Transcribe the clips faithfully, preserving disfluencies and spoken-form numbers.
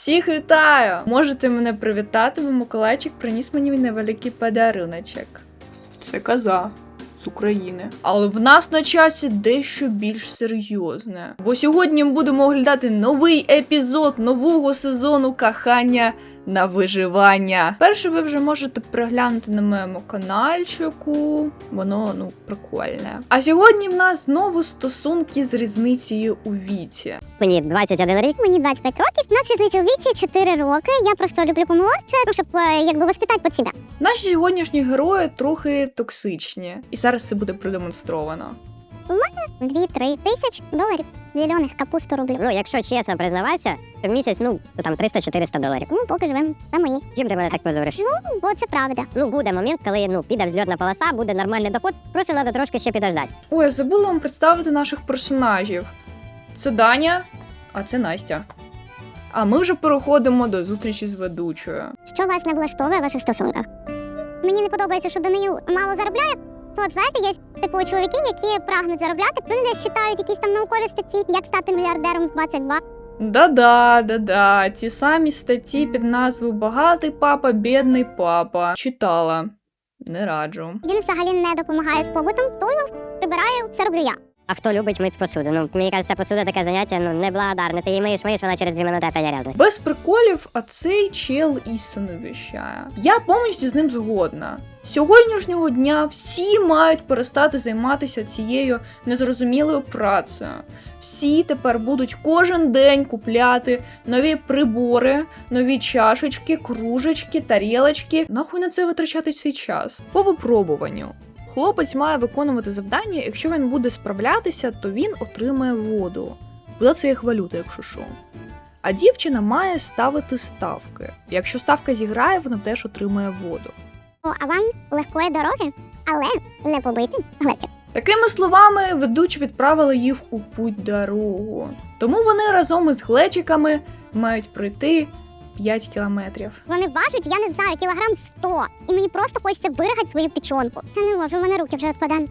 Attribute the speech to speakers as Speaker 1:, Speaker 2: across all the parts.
Speaker 1: Всіх вітаю! Можете мене привітати, бо Миколайчик приніс мені невеликий подаруночок. Це коза з України. Але в нас на часі дещо більш серйозне. Бо сьогодні ми будемо оглядати новий епізод нового сезону кохання на виживання. Перше ви вже можете переглянути на моєму каналчику. Воно, ну, прикольне. А сьогодні в нас знову стосунки з різницею у віці.
Speaker 2: Мені двадцять один рік.
Speaker 3: Мені двадцять п'ять років, у нас різниця у віці чотири роки. Я просто люблю помолодше, щоб е, якби воспитати під себе.
Speaker 1: Наші сьогоднішні герої трохи токсичні. І зараз це буде продемонстровано.
Speaker 3: дві-три тисяч доларів. Зелених капусту рублів.
Speaker 2: Ну, якщо чесно признаватися, то в місяць, ну, то там триста-чотириста доларів.
Speaker 3: Ну, поки живемо на мої.
Speaker 2: Чим ти мене так позориш?
Speaker 3: Ну, бо це правда.
Speaker 2: Ну, буде момент, коли, ну, піде взльотна полоса, буде нормальний доход, просто треба трошки ще підождати.
Speaker 1: Ой, я забула вам представити наших персонажів. Це Даня, а це Настя. А ми вже переходимо до зустрічі з ведучою.
Speaker 3: Що вас не влаштовує в ваших стосунках? Мені не подобається, що Даниїл мало заробляє. То, от, знаєте, є типу чоловіки, які прагнуть заробляти, вони десь читають якісь там наукові статті, як стати мільярдером в двадцять два.
Speaker 1: Да-да, да-да, ті самі статті під назвою «Багатий папа, бідний папа». Читала. Не раджу.
Speaker 3: Він взагалі не допомагає з побутом, то прибираю, це роблю я.
Speaker 2: А хто любить мити посуду? Ну, мені кажеться, посуда таке заняття, ну, неблагодарне. Ти її миєш, миєш, вона через дві минути опять рядом.
Speaker 1: Без приколів, а цей чел істину віщає. Я повністю з ним згодна. З сьогоднішнього дня всі мають перестати займатися цією незрозумілою працею. Всі тепер будуть кожен день купляти нові прибори, нові чашечки, кружечки, тарілочки. Нахуй на це витрачати свій час? По випробуванню. Хлопець має виконувати завдання, якщо він буде справлятися, то він отримає воду. Вода – це як валюта, якщо що. А дівчина має ставити ставки. Якщо ставка зіграє, вона теж отримає воду.
Speaker 3: О, а вам легкої дороги, але не побити глечик.
Speaker 1: Такими словами, ведучі відправили їх у путь-дорогу. Тому вони разом із глечиками мають пройти п'ять кілометрів.
Speaker 3: Вони важать, я не знаю, кілограм сто. І мені просто хочеться виригати свою печонку. Я не можу, в мене руки вже відпадають.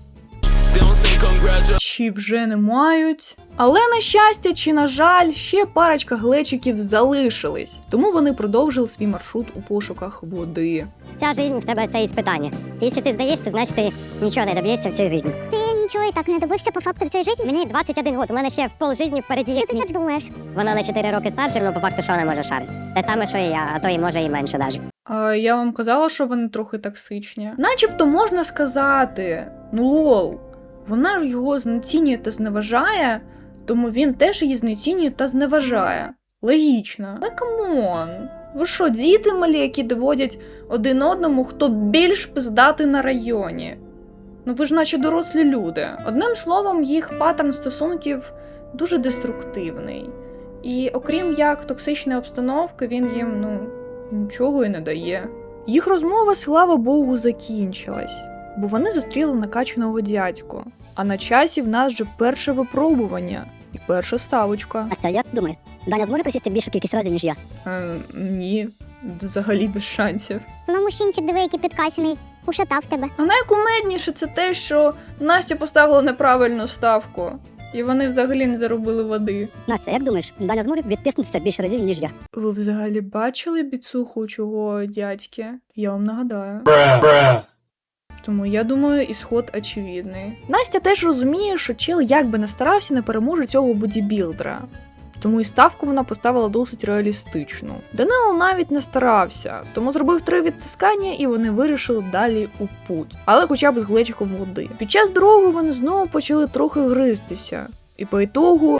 Speaker 1: Чи вже не мають. Але, на щастя, чи на жаль, ще парочка глечиків залишились. Тому вони продовжили свій маршрут у пошуках води.
Speaker 2: Ця жизнь в тебе це іспитання. Якщо ти здаєшся, значить ти нічого не доб'єшся в цій житті.
Speaker 3: Ти нічого і так не добився по факту в цій житті?
Speaker 2: Мені двадцять один год, у мене ще пол житті впереді.
Speaker 3: Ти
Speaker 2: Як
Speaker 3: так
Speaker 2: мій.
Speaker 3: як думаєш?
Speaker 2: Вона на чотири роки старша, але по факту що вона може шарити. Те саме, що і я, а то і може і менше навіть.
Speaker 1: А я вам казала, що вони трохи токсичні. Начебто можна сказати, ну лол, вона ж його знецінює та зневажає, тому він теж її знецінює та зневажає. Логічно. Але камон. Ви що, діти малі, які доводять один одному, хто більш пиздатий на районі? Ну ви ж наче дорослі люди. Одним словом, їх паттерн стосунків дуже деструктивний. І окрім як токсичної обстановки, він їм, ну, нічого і не дає. Їх розмова, слава Богу, закінчилась, бо вони зустріли накачаного дядьку. А на часі в нас вже перше випробування і перша ставочка.
Speaker 2: А як думаєш, Даня зможе присісти більшу кількість разів, ніж я?
Speaker 1: Е, ні, взагалі без шансів.
Speaker 3: Воно мужчинчик, диви, який підкачаний, ушатав тебе.
Speaker 1: А найкумедніше це те, що Настя поставила неправильну ставку. І вони взагалі не заробили води.
Speaker 2: Настя, як думаєш, Даня зможе відтиснутися більше разів, ніж я?
Speaker 1: Ви взагалі бачили біцуху чого дядьки? Я вам нагадаю. Тому я думаю, ісход очевидний. Настя теж розуміє, що чел як би не старався, не переможе цього бодібілдера. Тому і ставку вона поставила досить реалістичну. Данило навіть не старався, тому зробив три відтискання і вони вирішили далі у путь. Але хоча б з глечиком води. Під час дороги вони знову почали трохи гризтися. І по ітогу...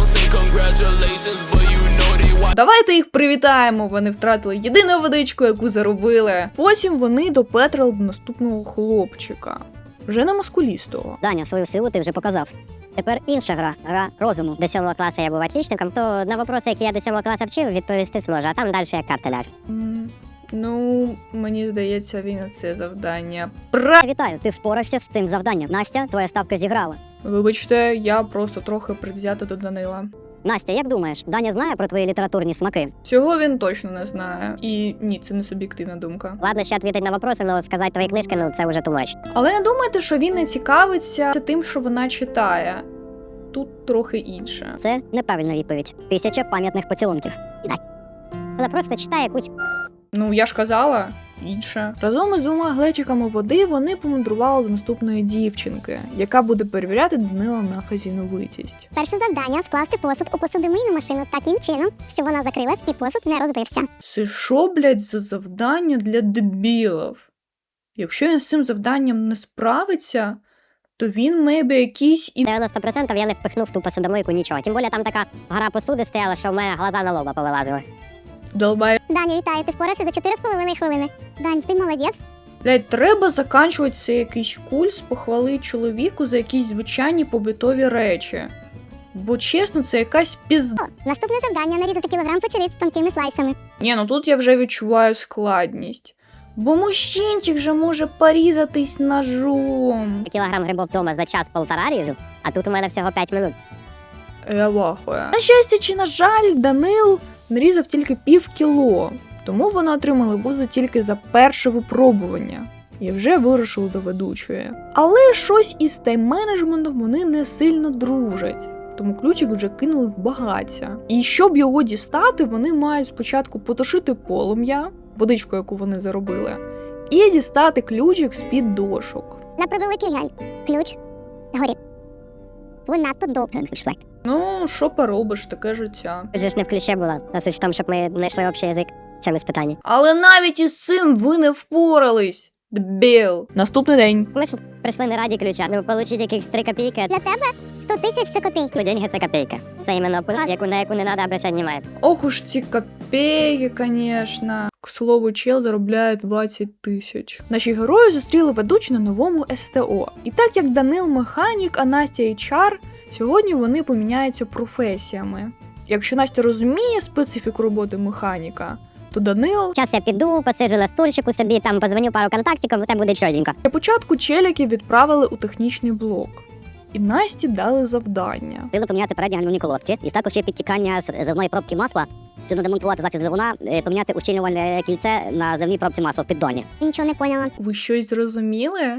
Speaker 1: Давайте їх привітаємо, вони втратили єдину водичку, яку заробили. Потім вони допетрили до наступного хлопчика. Вже не мускулістого.
Speaker 2: Даня, свою силу ти вже показав. Тепер інша гра, гра розуму. До сьомого класу я був отличником, то на вопроси, які я до сьомого класу вчив, відповісти зможу, а там далі як карта ляже.
Speaker 1: М, Ну, мені здається, він це завдання. Пра...
Speaker 2: Вітаю, ти впорався з цим завданням. Настя, твоя ставка зіграла.
Speaker 1: Вибачте, я просто трохи предвзята до Данила.
Speaker 2: Настя, як думаєш, Даня знає про твої літературні смаки?
Speaker 1: Цього він точно не знає. І ні, це не суб'єктивна думка.
Speaker 2: Ладно, ще відповідь на вопроси, але сказати твої книжки, ну це вже too much.
Speaker 1: Але не думайте, що він не цікавиться тим, що вона читає. Тут трохи інше.
Speaker 2: Це неправильна відповідь. Тисяча пам'ятних поцілунків. Дай. Вона просто читає якусь
Speaker 1: Ну, я ж казала, інше. Разом із двома глечиками води вони помандрували до наступної дівчинки, яка буде перевіряти Данила на хазіновитість.
Speaker 3: Перше завдання скласти посуд у посудомийну машину таким чином, щоб вона закрилась і посуд не розбився.
Speaker 1: Це що, блядь, за завдання для дебілів? Якщо він з цим завданням не справиться, то він, мейбі, якийсь і...
Speaker 2: дев'яносто відсотків я не впихнув в ту посудомийку нічого. Тим більше там така гора посуди стояла, що в мене глаза на лоба повилазили.
Speaker 1: Долбай.
Speaker 3: Даня, вітаю, ти впорався за чотири з половиною хвилини. Дань, ти молодець.
Speaker 1: Блядь, треба заканчувати цей якийсь кульс похвали чоловіку за якісь звичайні побутові речі. Бо чесно, це якась пізда.
Speaker 3: О, наступне завдання нарізати кілограм печериць з тонкими слайсами.
Speaker 1: Ні, ну тут я вже відчуваю складність. Бо мужчинчик же може порізатись ножом.
Speaker 2: Кілограм грибов вдома за час-полтора ріжу, а тут у мене всього п'ять минут.
Speaker 1: Я вахую. На щастя чи на жаль, Данил нарізав тільки пів кіло, тому вони отримали воду тільки за перше випробування і вже вирушили до ведучої. Але щось із тайм-менеджментом вони не сильно дружать, тому ключик вже кинули в багаття. І щоб його дістати, вони мають спочатку потушити полум'я, водичку, яку вони заробили, і дістати ключик з-під дошок.
Speaker 3: На превеликий жаль. Ключ горів. Ви надто довго пішли.
Speaker 1: Ну, що поробиш, таке життя.
Speaker 2: Вже ж не в ключі була, а суть в тому, щоб ми знайшли общий язик в цьому питанні.
Speaker 1: Але навіть із цим ви не впорались. Дебіл. Наступний день.
Speaker 2: Ми ж прийшли не раді ключа, ну отримати якихось три копійки.
Speaker 3: Для тебе сто тисяч це копійки.
Speaker 2: Ну, деньги це копійка. Це іменно пункт, яку, на яку не треба обращати внимание.
Speaker 1: Ох уж ці копейки, конечно. К слову, чел заробляє двадцять тисяч. Наші герої зустріли ведучу на новому ес те о. І так як Данил механік, а Настя ейч ар, сьогодні вони поміняються професіями. Якщо Настя розуміє специфіку роботи механіка, то Данил...
Speaker 2: Зараз я піду, посиджу на стульчику собі, там позвоню пару контактиків, там буде чотенько.
Speaker 1: Для початку челіків відправили у технічний блок. І Насті дали завдання.
Speaker 2: Треба поміняти передні гальмівні колодки, і також є підтікання з зливної пробки масла. Щоб демонтувати захист двигуна, е, поміняти ущільнювальне кільце на зливній пробці масла в піддоні.
Speaker 3: Нічого не поняла.
Speaker 1: Ви щось зрозуміли?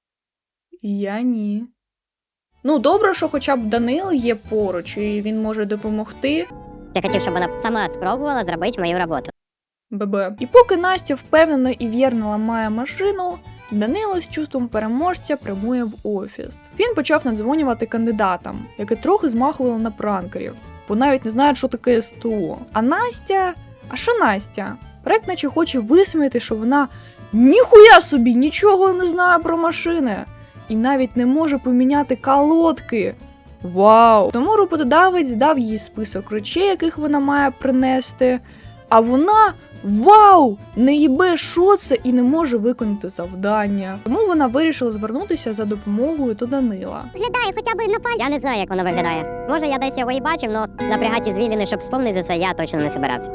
Speaker 1: Я ні. Ну, добре, що хоча б Данил є поруч, і він може допомогти.
Speaker 2: Я хотів, щоб вона сама спробувала зробити мою роботу.
Speaker 1: Бебе. І поки Настя впевнено і вірно ламає машину, Данило з чувством переможця прямує в офіс. Він почав надзвонювати кандидатам, які трохи змахували на пранкерів, бо навіть не знають, що таке ес те о. А Настя... А що Настя? Проект наче хоче висміяти, що вона ніхуя собі нічого не знає про машини і навіть не може поміняти колодки. Вау! Тому роботодавець дав їй список речей, яких вона має принести, а вона, вау, не їбе, що це і не може виконати завдання. Тому вона вирішила звернутися за допомогою до Данила.
Speaker 3: Виглядає хоча б на пальці.
Speaker 2: Я не знаю, як воно виглядає. Може, я десь його і бачив, але напрягати звільнений, щоб вспомнити за це, я точно не собирався.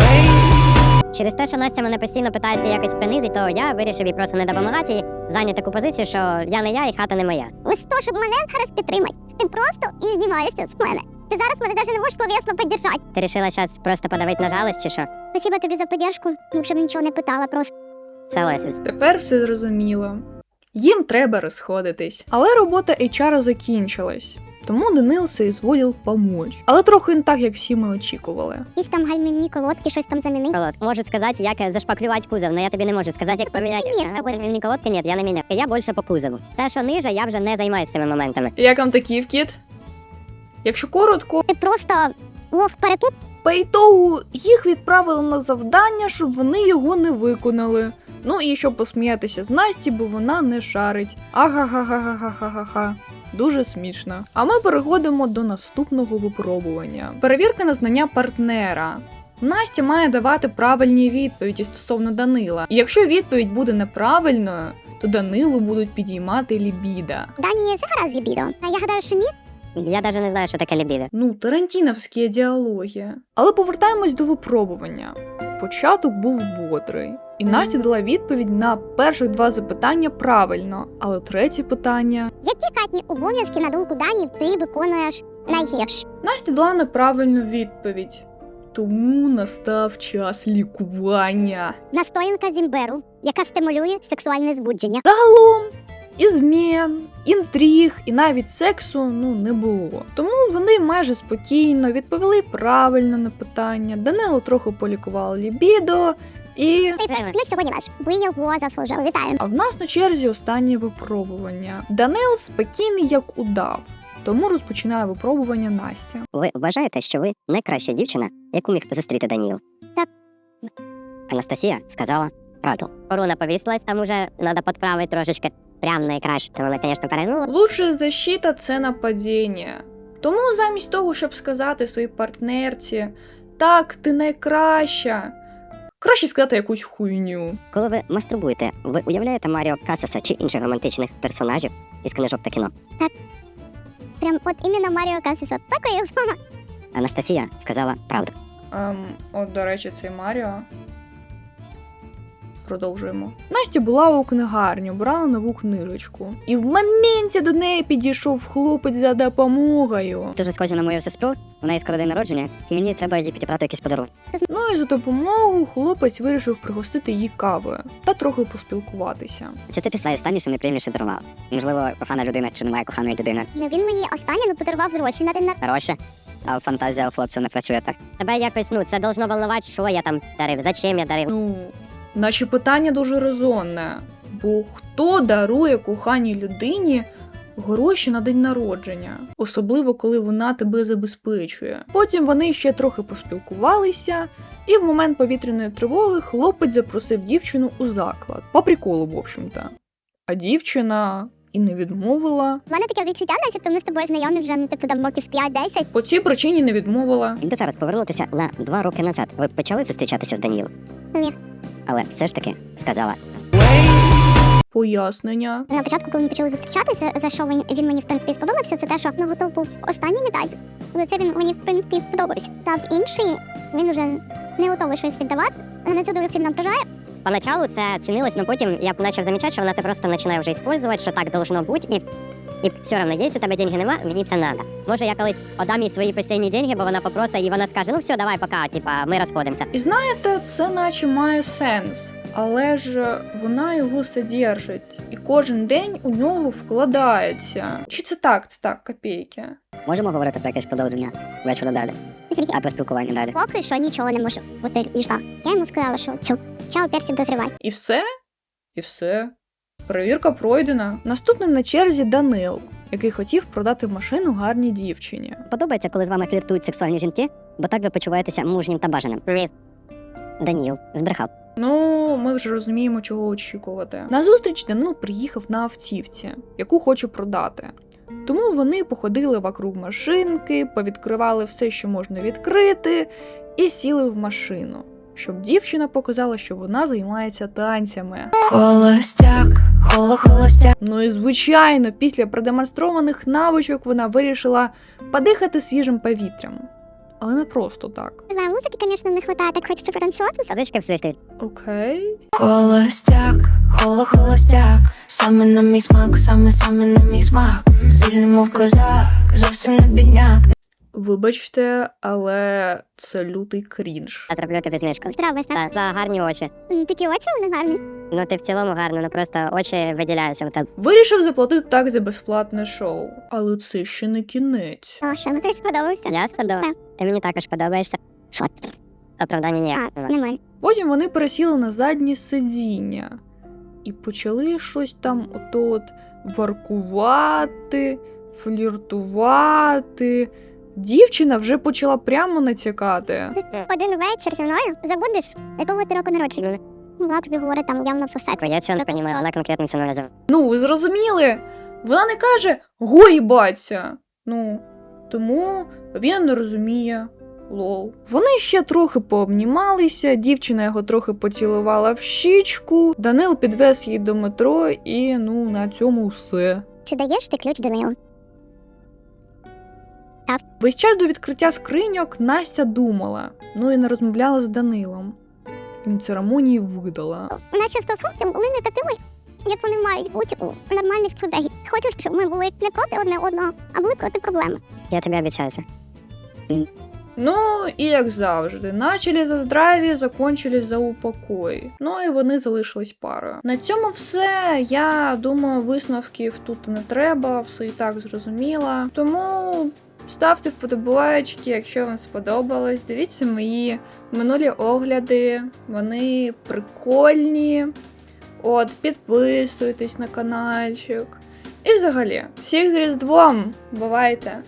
Speaker 2: Через те, що Настя мене постійно питається якось принизити, то я вирішив їй просто не допомагати і зайняти таку позицію, що я не я і хата не моя.
Speaker 3: Ось то, щоб мене зараз підтримати. Ти просто і знімаєшся з мене. Ти зараз мене навіть не можеш словесно підтримати.
Speaker 2: Ти вирішила зараз просто подавити на жалость чи що?
Speaker 3: Спасибо тобі за підтримку, якщо б нічого не питала просто.
Speaker 2: Це Лесіс.
Speaker 1: Тепер все зрозуміло. Їм треба розходитись. Але робота ейч ар закінчилась. Тому Данил соізволив помочь. Але трохи не так, як всі ми очікували.
Speaker 3: Якісь там гальмівні колодки, щось там замінити.
Speaker 2: Колодки. Можуть сказати, як зашпаклювати кузов, але я тобі не можу сказати, як поміняти.
Speaker 3: Ні,
Speaker 2: Ага, гальмівні колодки, ні, я не міняю. Я більше по кузову. Те, що ниже, я вже не займаюся цими моментами.
Speaker 1: Як вам такий вкіт? Якщо коротко,
Speaker 3: Ти просто лох перепут.
Speaker 1: по ітогу їх відправили на завдання, щоб вони його не виконали. Ну і щоб посміятися з Насті, бо вона не шарить. Ага-га-га-га-га-га-га. Дуже смішно. А ми переходимо до наступного випробування. Перевірка на знання партнера. Настя має давати правильні відповіді стосовно Данила. І якщо відповідь буде неправильною, то Данилу будуть підіймати лібіда.
Speaker 3: Дані, все гаразд з лібідо. А я гадаю, що ні.
Speaker 2: Я навіть не знаю, що таке лібідо.
Speaker 1: Ну, тарантіновські діалоги. Але повертаємось до випробування. Початок був бодрий. І Настя дала відповідь на перших два запитання правильно, але третє питання...
Speaker 3: Які катні обов'язки, на думку Дані, ти виконуєш найгірше?
Speaker 1: Настя дала неправильну відповідь. Тому настав час лікування.
Speaker 3: Настоянка з імбиру, яка стимулює сексуальне збудження.
Speaker 1: Загалом, І змін, інтриг, і навіть сексу ну не було. Тому вони майже спокійно відповіли правильно на питання. Данило трохи полікував лібідо і.
Speaker 3: Ключ сьогодні ваш. Ви його заслужили. Вітаю.
Speaker 1: А в нас на черзі останнє випробування. Данил спокійний як удав, тому розпочинає випробування Настя.
Speaker 2: Ви вважаєте, що ви найкраща дівчина, яку міг зустріти Даніл?
Speaker 3: Так.
Speaker 2: Анастасія сказала правду. Коруна повісилась, там уже треба підправити трошечки. Прям найкраще. То вона, звісно, перегнула.
Speaker 1: Лучша защита – це нападіння. Тому замість того, щоб сказати своїй партнерці «Так, ти найкраща», краще сказати якусь хуйню.
Speaker 2: Коли ви мастурбуєте, ви уявляєте Маріо Касаса чи інших романтичних персонажів із книжок та кіно?
Speaker 3: Прям от іменно Маріо Касіса. Такої як мама.
Speaker 2: Анастасія сказала правду.
Speaker 1: Ем, от, до речі, цей Маріо. Продовжуємо. Настя була у книгарні, брала нову книжечку. І в моменті до неї підійшов хлопець за допомогою.
Speaker 2: Дуже схожа на мою сестру, у неї скоро день народження, і мені треба їй підібрати якийсь подарунок.
Speaker 1: Ну і за допомогою хлопець вирішив пригостити її кавою та трохи поспілкуватися.
Speaker 2: Чи це після останнє, що найприємніше дарувала? Можливо, кохана людина чи немає коханої людини?
Speaker 3: Ну, він мені останнє ну, подарував гроші на день народження.
Speaker 2: Гроші. А фантазія у хлопця не працює так. Тебе якось, ну, це должно волнувати, що я там дарив, зачем я дарив.
Speaker 1: Ну, наче питання дуже резонне. Бо хто дарує коханій людині гроші на день народження? Особливо, коли вона тебе забезпечує. Потім вони ще трохи поспілкувалися, і в момент повітряної тривоги хлопець запросив дівчину у заклад. По приколу, в общем-то. А дівчина і не відмовила.
Speaker 3: У мене таке відчуття, начебто ми з тобою знайомі вже ну, типу там років п'ять-десять.
Speaker 1: По цій причині не відмовила.
Speaker 2: Якби зараз повернутися на два роки назад, ви б почали зустрічатися з Данілом?
Speaker 3: Ні.
Speaker 2: Але все ж таки сказала.
Speaker 1: Пояснення.
Speaker 3: На початку, коли ми почали зустрічатися, за що він, він мені в принципі сподобався, це те, що ну, готов був останній віддати. Але це він мені в принципі сподобався. Та в інший він уже не готовий щось віддавати. Мене це дуже сильно ображає.
Speaker 2: Поначалу це цінилось, але потім я почав замічати, що вона це просто починає вже використовувати, що так должно бути, і, і все одно, якщо у тебе деньги нема, мені це треба. Може, я колись отдам їй свої постійні деньги, бо вона попросить, і вона скаже, ну все, давай, пока, типа, ми розходимося.
Speaker 1: І знаєте, це наче має сенс. Але ж вона його содержить, і кожен день у нього вкладається. Чи це так, це так, копійки?
Speaker 2: Можемо говорити про якесь продовження вечора далі, а про спілкування далі.
Speaker 3: Поки що нічого не можу бути і ждав. Я йому сказала, що чу, чао, персик, дозрівай.
Speaker 1: І все? І все. Перевірка пройдена. Наступний на черзі Данил, який хотів продати машину гарній дівчині.
Speaker 2: Подобається, коли з вами фліртують сексуальні жінки, бо так ви почуваєтеся мужнім та бажаним. Привіт. Даніл збрехав.
Speaker 1: Ну, ми вже розуміємо, чого очікувати. На зустріч Данил приїхав на автівці, яку хоче продати. Тому вони походили вокруг машинки, повідкривали все, що можна відкрити, і сіли в машину, щоб дівчина показала, що вона займається танцями.
Speaker 4: Холостяк, холо, холостяк.
Speaker 1: Ну і звичайно, після продемонстрованих навичок вона вирішила подихати свіжим повітрям. Але не просто так.
Speaker 3: Не знаю, музики, звісно, не вистачає, так хочеться потанцювати.
Speaker 2: Садочки в світлі.
Speaker 1: Окей.
Speaker 4: Холостяк, холо, холостяк. Саме на мій смак, саме саме на мій смак. Сильний, мов козак, зовсім не бідняк.
Speaker 1: Вибачте, але це лютий крінж.
Speaker 2: Я зроблю тобі знижку.
Speaker 3: Треба ж так.
Speaker 2: Так, за гарні очі.
Speaker 3: М, Такі очі вони гарні.
Speaker 2: Ну ти в цілому гарно, ну просто очі виділяються в тебе.
Speaker 1: Вирішив заплатити так за безплатне шоу. Але це ще не кінець.
Speaker 3: О, що, ну ти сподобався?
Speaker 2: Я сподобав.
Speaker 3: Так.
Speaker 2: Ти мені також подобаєшся. Що ти? Оправдання ніяк.
Speaker 3: А, немає.
Speaker 1: Потім вони пересіли на заднє сидіння і почали щось там ото-от воркувати, фліртувати. Дівчина вже почала прямо натякати.
Speaker 3: Один вечір зі мною забудеш, якого ти року народження. Вона тобі говорить там явно про секс.
Speaker 2: Я цього не розумію, вона конкретно це не називає.
Speaker 1: Ну, ви зрозуміли? Вона не каже «Гой, баця!» Ну, тому він не розуміє. Лол. Вони ще трохи пообнімалися, дівчина його трохи поцілувала в щічку, Данил підвез її до метро і, ну, на цьому все.
Speaker 3: Чи даєш ти ключ Данилу?
Speaker 1: Весь час до відкриття скриньок Настя думала, ну і не розмовляла з Данилом. І на церемонії видала.
Speaker 3: У нас ще стосунки були не такими, як вони мають бути у нормальних людей. Хочу, щоб ми були не проти одне одного, а були проти проблеми.
Speaker 2: Я тобі обіцяю це.
Speaker 1: Ну, і як завжди, начали за здраві, закончили за упокой. Ну і вони залишились парою. На цьому все. Я думаю, висновків тут не треба, все і так зрозуміло. Тому ставте вподобайки, якщо вам сподобалось. Дивіться мої минулі огляди, вони прикольні. От, підписуйтесь на каналчик. І взагалі, всіх з Різдвом! Бувайте!